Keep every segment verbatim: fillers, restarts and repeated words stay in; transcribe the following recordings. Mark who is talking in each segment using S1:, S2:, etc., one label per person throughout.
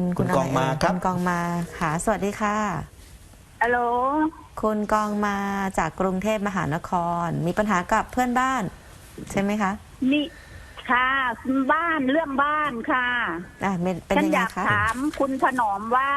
S1: คุณกองมาครับ
S2: คุณกองมาค่ะสวัสดีค่ะ
S3: ฮัลโหล
S2: คุณกองมาจากกรุงเทพมหานครมีปัญหากับเพื่อนบ้านใช่ไหมคะ
S3: นี่ค่ะบ้านเรื่องบ้านค่ะ
S2: อ่ะเป็น
S3: ฉัน
S2: ยัง
S3: อ
S2: ไง
S3: ยาก
S2: คะ
S3: ถามคุณถนอมว่า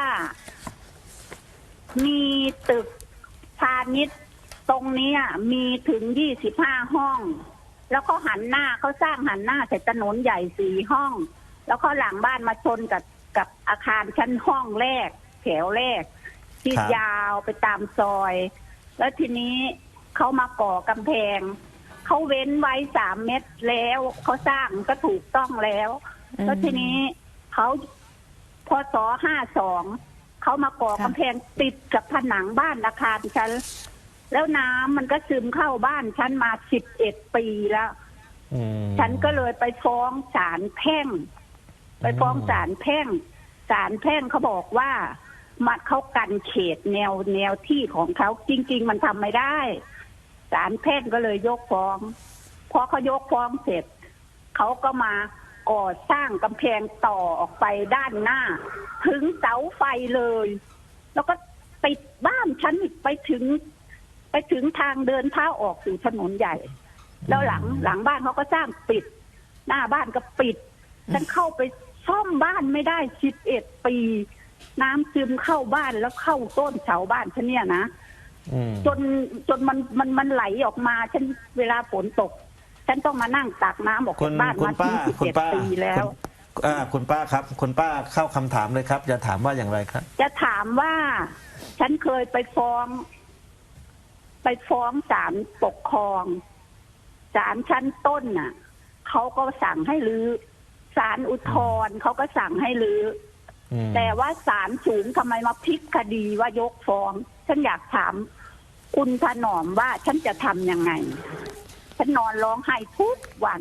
S3: มีตึกพาณิชย์ตรงนี้มีถึงยี่สิบห้าห้อง แล้วเขาหันหน้าเขาสร้างหันหน้าใส่ถนนใหญ่สี่ห้อง แล้วเขาหลังบ้านมาชนกับกับอาคารชั้นห้องแรกแถวแรกที่ยาวไปตามซอย แล้วทีนี้เขามาก่อกำแพงเขาเว้นไว้สามเมตรแล้วเขาสร้างก็ถูกต้องแล้วแล้วทีนี้เขาพศห้าสองเขามาก่อกำแพงติดกับผนังบ้านอาคารฉันแล้วน้ำมันก็ซึมเข้าบ้านฉันมาสิบเอ็ดปีแล้วฉันก็เลยไปฟ้องศาลแพ่งไปฟ้องศาลแพ่งศาลแพ่งเขาบอกว่ามันเขากันเขตแนวแนวที่ของเขาจริงๆมันทำไม่ได้ศาลแพ่งก็เลยยกฟ้องพอเขายกฟ้องเสร็จเขาก็มาก่อสร้างกำแพงต่อออกไปด้านหน้าถึงเสาไฟเลยแล้วก็ติดบ้านฉันไปถึงไปถึงทางเดินเท้าออกสู่ถนนใหญ่แล้วหลังหลังบ้านเขาก็สร้างปิดหน้าบ้านก็ปิดฉันเข้าไปซ่อมบ้านไม่ได้สิบเอ็ดปีน้ำซึมเข้าบ้านแล้วเข้าต้นเสาบ้านฉันเนี่ยนะจนจนมันมันมันไหลออกมาฉันเวลาฝนตกฉันต้องมานั่งตักน้ำออกจากบ้านมาถึงสิบเอ็ดปีแล้ว
S1: อ่าคุณป้าครับคุณป้าเข้าคำถามเลยครับจะถามว่าอย่างไรครับ
S3: จะถามว่าฉันเคยไปฟ้องไปฟ้องศาลปกครองศาลชั้นต้นน่ะเขาก็สั่งให้รื้อศาลอุทธรณ์เขาก็สั่งให้รื้อแต่ว่าศาลสูงทำไมมาพลิกคดีว่ายกฟ้องฉันอยากถามคุณถนอมว่าฉันจะทำยังไงฉันนอนร้องไห้ทุกวัน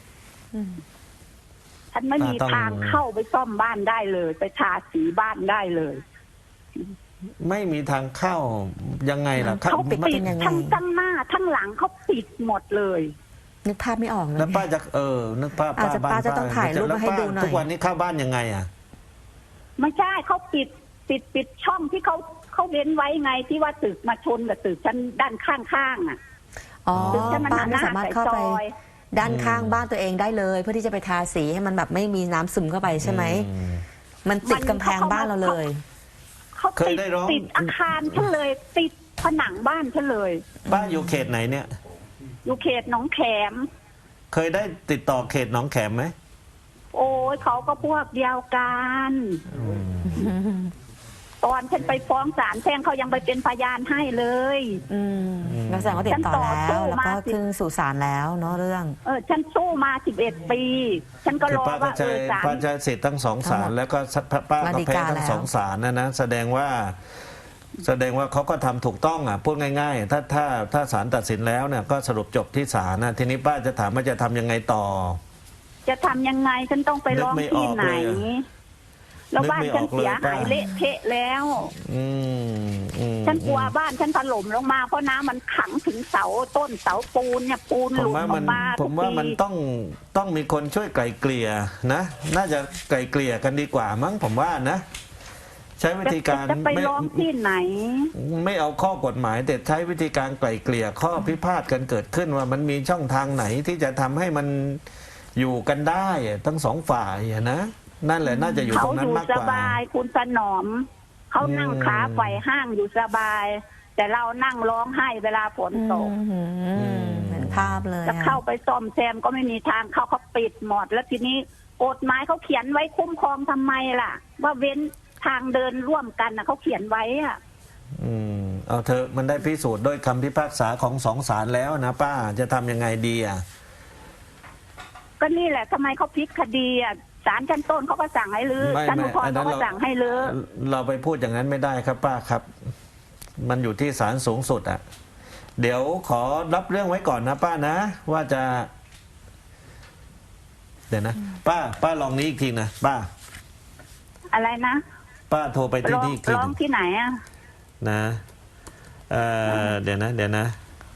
S3: ฉันไม่มีทางเข้าไปซ่อมบ้านได้เลยไปทาสีบ้านได้เลย
S1: ไม่มีทางเข้ายังไงล่ะ
S3: เขาปิดทั้งทั้งหน้าทั้งหลังเขาปิดหมดเลย
S2: นึกภาพไม่ออกเลย
S1: แล้วป้าจะเออนึกภาพป้าบ้าน
S2: ป้าจะต้องถ่ายรูปมาให้ดูหน่อย
S1: ทุกวันนี้เข้าบ้านยังไงอ่ะ
S3: ไม่ใช่เขาปิดปิดปิดช่องที่เขาเขาเว้นไว้ไงที่ว่าตึกมาชนกับตึกชั้นด้านข้างๆอ่ะ
S2: อ๋อป้าไม่สามารถเข้าไปด้านข้างบ้านตัวเองได้เลยเพื่อที่จะไปทาสีให้มันแบบไม่มีน้ำซึมเข้าไปใช่ไหมมันติดกำแพงบ้านเราเลย
S3: เขาติดติดอาคารฉันเลยติดผนังบ้านฉันเลย
S1: บ้านอยู่เขตไหนเนี่ย
S3: อยู่เขตหนองแขม
S1: เคยได้ติดต่อเขตหนองแขมไหม
S3: โอ้ยเขาก็พวกเดียวกันตอนฉันไปฟ้องศาลแพ่งเขายังไปเป็นพยานให้เลย
S2: อืมแล้วแสดงว่าติดต่อแล้วแล้วก็ขึ้นสู่ศาลแล้วเนาะเรื่อง
S3: เออฉันสู้มาสิบเอ็ดปีฉันก็รอว่าเออศาล
S1: ป้าใช้สิทธิ์ทั้งสองศาลแล้วก็ป้าก็แพ้ทั้งสองศาลนะนะแสดงว่าแสดงว่าเขาก็ทำถูกต้องอ่ะพูดง่ายๆถ้าถ้าถ้าศาลตัดสินแล้วเนี่ยก็สรุปจบที่ศาลนะทีนี้ป้าจะถามว่าจะทำยังไงต่อ
S3: จะทำยังไงฉันต้องไปร้องที่ไหนแล้วบ้านฉันเสียหายเละเทะแล้วฉันกลัวบ้านฉันถล่มลงมาเพราะน้ำมันขังถึงเสาต้นเสาปูนเนี่ยปูนหลุดออกมา
S1: ผมว่ามันต้องต้องมีคนช่วยไกล่เกลี่ยนะน่าจะไกล่เกลี่ยกันดีกว่ามั้งผมว่านะใช้วิธีการ
S3: จะไปร้องที่ไหน
S1: ไม่เอาข้อกฎหมายแต่ใช้วิธีการไกล่เกลี่ยข้อพิพาทกันเกิดขึ้นว่ามันมีช่องทางไหนที่จะทำให้มันอยู่กันได้ทั้งสองฝ่ายนะนั่นแหละน่าจะอยู่ตรงนั้นมากกว่า
S3: เขาอยู่สบายคุณถนอมเขานั่งขาไขว่ห้างอยู่สบายแต่เรานั่งร้องไห้เวลาฝนตก
S2: เหมือนภาพเลย
S3: จะเข้าไปซ่อมแซมก็ไม่มีทางเข้าเขาปิดหมดแล้วทีนี้กฎหมายเขาเขียนไว้คุ้มครองทำไมล่ะว่าเว้นทางเดินร่วมกันนะเขาเขียนไว้อ่ะ
S1: อืมเอาเธอมันได้พิสูจน์ด้วยคำพิพากษาของสองศาลแล้วนะป้าจะทำยังไงดีอ่ะ
S3: ก็นี่แหละทำไมเขาพลิกคดีอ่ะศาลชั้นต้นเขาก็สั่งให้รื้อศาลอุทธรณ์เขาก็สั่งให้รื้อ
S1: เราไปพูดอย่างนั้นไม่ได้ครับป้าครับมันอยู่ที่ศาลสูงสุดอ่ะเดี๋ยวขอรับเรื่องไว้ก่อนนะป้านะว่าจะเดี๋ยวนะป้าป้าลองนี้อีกทีนะป้า
S3: อะไรนะ
S1: ป้าโทรไปที่นี่
S3: ร้องที่ไหนอ่ะ
S1: นะเอ่อเดี๋ยวนะเดี๋ยวนะ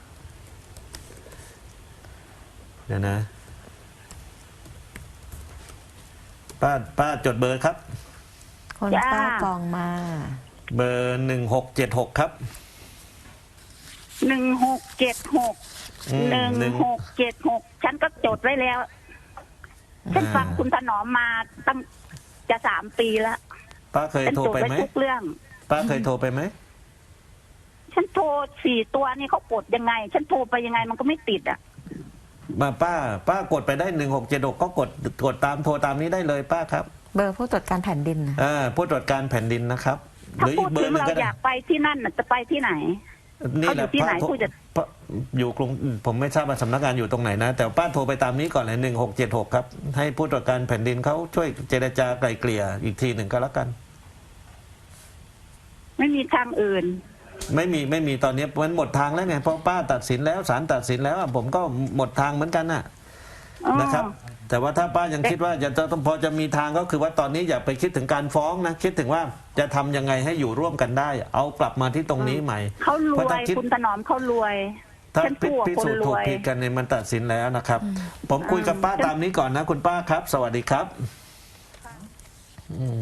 S1: เดี๋ยวนะป้าป้าจดเบอร์ครับ
S2: คน
S3: จ้า
S2: ป้ากองมา
S1: เบอร์หนึ่งหกเจ็ดหกครับ
S3: หนึ่งหกเจ็ดหก
S1: อืม
S3: หนึ่ง
S1: หนึ่ง
S3: หกเจ็ดหกฉันก็จดไว้แล้ว ฉัน
S1: อ่า
S3: ฟังคุณถนอมมาตั้งจะสามปีแล้ว
S1: ป้าเคย
S3: ฉัน
S1: โทร
S3: จด
S1: ไป
S3: ไว้
S1: ไหม
S3: ทุกเรื่อง
S1: ป้าเคยโทรไปไหม
S3: ฉันโทรสี่ตัวนี่เขากดยังไง ฉันโทรไปยังไงมันก็ไม่ติดอ่ะ
S1: มาป้า ป้ากดไปได้หนึ่งหกเจ็ดหกก็กดกดตามโทรตามนี้ได้เลยป้าครับ
S2: เบอร์ผู้ตรวจการแผ่นดินนะ
S1: อ่าผู้ตรวจการแผ่นดินนะครับ ห
S3: ถ้า
S1: รือ
S3: พู
S1: อี
S3: ด
S1: กเบอ
S3: ถึง
S1: ร์หนึ่ง
S3: เรา
S1: ก็
S3: อ
S1: ได้
S3: ยากไปที่นั่นน่ะจะไปที่ไหน
S1: นี่แหละ
S3: เขาอยู่ที่ไหน
S1: ป้าโทร
S3: ผู้จัด
S1: ป้าอยู่กรุงผมไม่ทราบว่าสำนักงานอยู่ตรงไหนนะ แต่ป้าโทรไปตามนี้ก่อนเลยหนึ่งหกเจ็ดหกครับให้ผู้ตรวจการแผ่นดินเขาช่วยเจรจาไกลเกลี่ยอีกทีหนึ่งก็แล้วกัน
S3: ไม่มีทางอื่น
S1: ไม่มีไม่มีตอนนี้มันหมดทางแล้วไงเพราะป้าตัดสินแล้วศาลตัดสินแล้วอ่ะผมก็หมดทางเหมือนกันน่ะ
S3: อ๋อ
S1: นะครับ แต่ว่าถ้าป้ายังคิดว่าจะจะต้องพอจะมีทางก็คือว่าตอนนี้อย่าไปคิดถึงการฟ้องนะคิดถึงว่าจะทำยังไงให้อยู่ร่วมกันได้ เอากลับมาที่ตรงนี้ใหม่
S3: เขาร
S1: เพราะ
S3: ว
S1: ถ้าย คิด
S3: คุณถนอมเขารวย
S1: ถ้า
S3: ฉัน
S1: พิ
S3: สู้กับ
S1: พิ
S3: คน
S1: สูจน์
S3: ร
S1: ถูก
S3: วย
S1: ผิดกันเนี่ยมันตัดสินแล้วนะครับ ผมคุยกับป้าตามนี้ก่อนนะคุณป้าครับ สวัสดีครับ